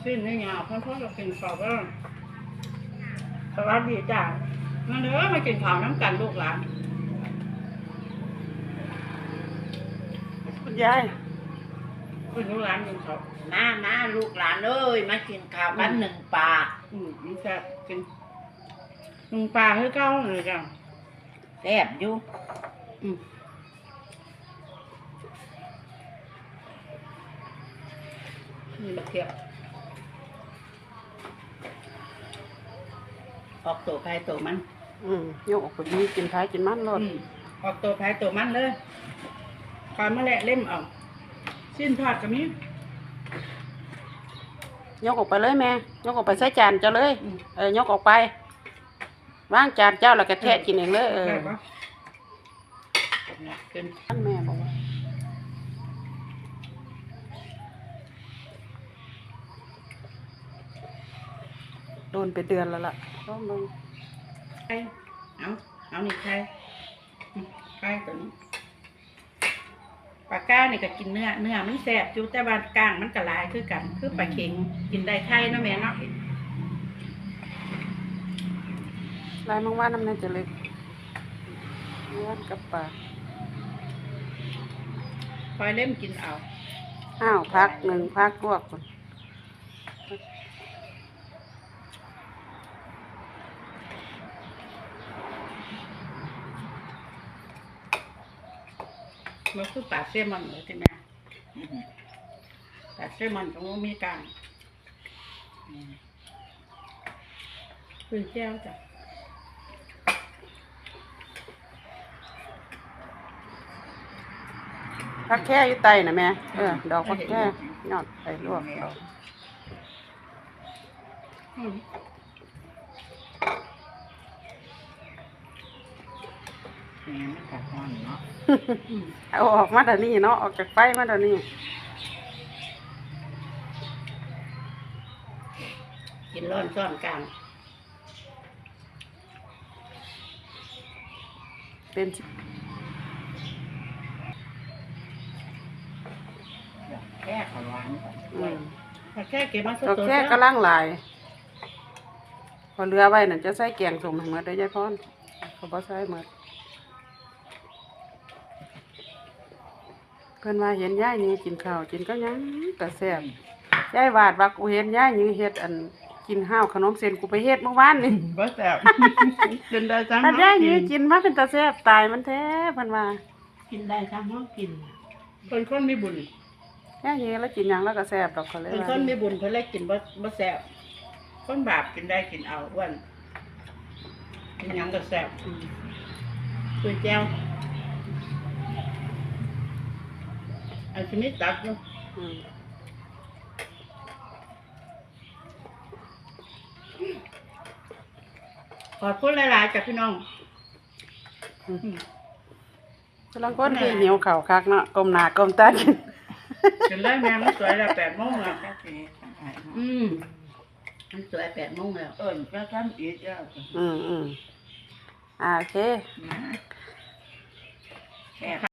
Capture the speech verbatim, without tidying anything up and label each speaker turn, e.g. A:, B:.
A: สิ้นนี่ยาวเพ่อๆจะกินข้าวก็สวัสดีจ้ามาเด้อมากินข้าวน้ำกันลูกหลาน
B: คุณยาย
A: คุณลูกหลานกินข้าว
C: มามาลูกหลานเอ้ยมากินข้าวกันหนึ่งปลา
A: อืมนี่จะกินหนึ่งปลาให้เก้าเลยจ้ะ
C: แซ่บอยู่
A: อืมนี่มาเทียบออกตัวใครตัวมัน
B: อืมยกออกไปดีกินท้ายกินมันรอด
A: ออกตัวใครตัวมันเลยปลาเมื่อแหละเล่มเอาสิ้นทอดกับนี้
B: ยกออกไปเลยแม่ยกออกไปใส่จานเจ้าเลยเออยกออกไปวางจานเจ้าแล้วก็แทะกินเองเลยเออ
A: เป็น
B: ท่านแม่บอกว่าโดนไปเดือนแล้วล่ะต้องลง
A: ใครเอาเอานี่ใครใครตัวนี้ปลาก้านี่ก็กินเนื้อเนื้อมันแซ่บอยู่แต่ว่าก้างมันกระลายคือกันคือปลาเค็งกินได้ไข่เนาะแม่เนาะ
B: ลายมังว่าน้ำในจะเล็กเนื้อกับปลา
A: คอยเล่มกินเอา
B: อ้าวพักหนึ่งพักลวกก่อน
A: มันคือปลาเซลมอนเลยใช่ไหมปลาเซลมอนตรงนี้มีกลางคือแก้วจ้ะ
B: พักแค่อยู่ไตนะแม่เออดอกพักแค่ยอดไปลวกดอกเอาออกมาเดี๋ยวนี้เนาะออกจากไฟมาเดี๋ยวนี้
A: กินร้อนซ้อนกลาง
B: เป็น
C: แค่ขวาน
B: อืม
A: แค่เก็บมาสด
B: ๆแค่กระล่างลายพอเรือไว้นั่นจะใส่แกงส้มให้หมดได้ยายพรเขาบ่ใส่หมดเพิ่นว่าเห็นยายนี่กินข้าวกินก็ยังแต่แซ่บยายวาดว่ากูเห็นยายนี่เฮ็ดอันกินข้าวขนมเส้นกูไปเฮ็ดเมื่อวานนี่
A: บ่แซ่บกินได้จัง
B: ถ้ายายนี่กินมาเป็นตาแซ่บตายมันแท้เพิ่นว่า
C: กินได้ทั้งห้องกิน
A: คนคนมีบุญ
B: ยายนี่แล้วกินหยังแล้วก็แซ่บดอกเขาเลย
A: คนคนมีบุญเพิ่นเลยกินบ่บ่แซ่บคนบาปกินได้กินเอาอ้วนกินหยังก็แซ่บคุยแก้วอันนี้ตักเนาะขอบคุณหลายๆจากพี่น้อง
B: กำลังก้นคือหิวข่าวคักเนาะก้มหน้าก้มตากิน
A: กินเลยแม่มันสวยแล้วแปดโมงแล้วอืมมันสวยแปดโมงแล้ว
C: เออก็ทำอีกแล้ว
B: อืมอืมอ่าโอเค